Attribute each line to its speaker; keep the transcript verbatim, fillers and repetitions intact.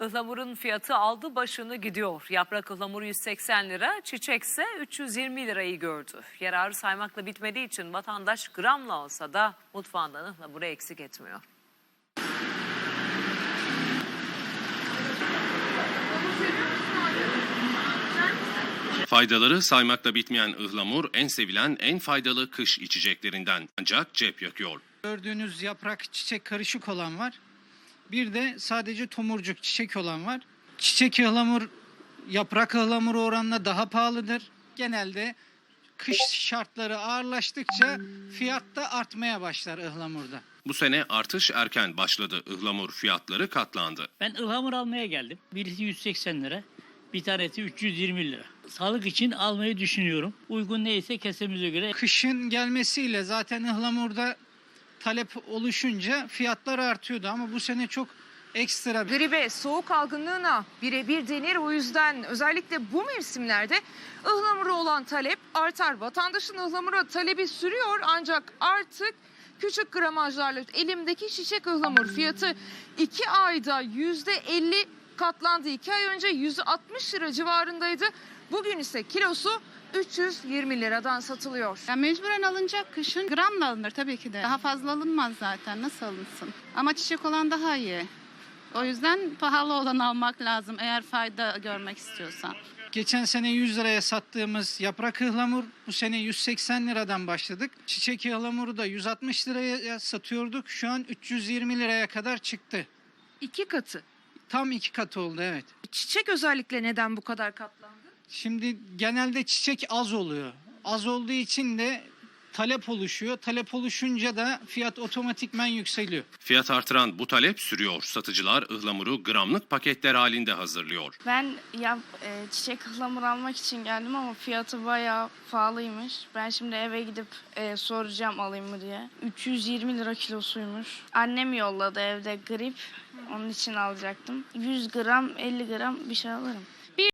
Speaker 1: Ihlamurun fiyatı aldı başını gidiyor. Yaprak ıhlamuru yüz seksen lira, çiçekse üç yüz yirmi lirayı gördü. Yararı saymakla bitmediği için vatandaş gramla olsa da mutfağından ıhlamuru eksik etmiyor.
Speaker 2: Faydaları saymakla bitmeyen ıhlamur en sevilen, en faydalı kış içeceklerinden. Ancak cep yakıyor.
Speaker 3: Gördüğünüz yaprak çiçek karışık olan var. Bir de sadece tomurcuk çiçek olan var. Çiçek ıhlamur yaprak ıhlamuru oranla daha pahalıdır. Genelde kış şartları ağırlaştıkça fiyat da artmaya başlar ıhlamurda.
Speaker 2: Bu sene artış erken başladı. Ihlamur fiyatları katlandı.
Speaker 4: Ben ıhlamur almaya geldim. Birisi yüz seksen lira, bir tanesi üç yüz yirmi lira. Sağlık için almayı düşünüyorum. Uygun neyse kesemize göre.
Speaker 3: Kışın gelmesiyle zaten ıhlamurda talep oluşunca fiyatlar artıyordu ama bu sene çok ekstra.
Speaker 5: Gribe, soğuk algınlığına birebir denir. O yüzden özellikle bu mevsimlerde ıhlamura olan talep artar. Vatandaşın ıhlamura talebi sürüyor ancak artık küçük gramajlarla elimdeki çiçek ıhlamur fiyatı iki ayda yüzde elli katlandı. iki ay önce yüz altmış lira civarındaydı. Bugün ise kilosu üç yüz yirmi liradan satılıyor.
Speaker 6: Ya mecburen alınacak, kışın gramla alınır tabii ki de. Daha fazla alınmaz zaten, nasıl alınsın? Ama çiçek olan daha iyi. O yüzden pahalı olan almak lazım eğer fayda görmek istiyorsan.
Speaker 3: Geçen sene yüz liraya sattığımız yaprak ıhlamur bu sene yüz seksen liradan başladık. Çiçek ıhlamuru da yüz altmış liraya satıyorduk. Şu an üç yüz yirmi liraya kadar çıktı.
Speaker 5: İki katı.
Speaker 3: Tam iki katı oldu, evet.
Speaker 5: Çiçek özellikle neden bu kadar katlandı?
Speaker 3: Şimdi genelde çiçek az oluyor. Az olduğu için de talep oluşuyor. Talep oluşunca da fiyat otomatikman yükseliyor.
Speaker 2: Fiyat artıran bu talep sürüyor. Satıcılar ıhlamuru gramlık paketler halinde hazırlıyor.
Speaker 7: Ben ya e, çiçek ıhlamur almak için geldim ama fiyatı bayağı pahalıymış. Ben şimdi eve gidip e, soracağım alayım mı diye. üç yüz yirmi lira kilosuymuş. Annem yolladı, evde grip. Onun için alacaktım. yüz gram, elli gram bir şey alırım.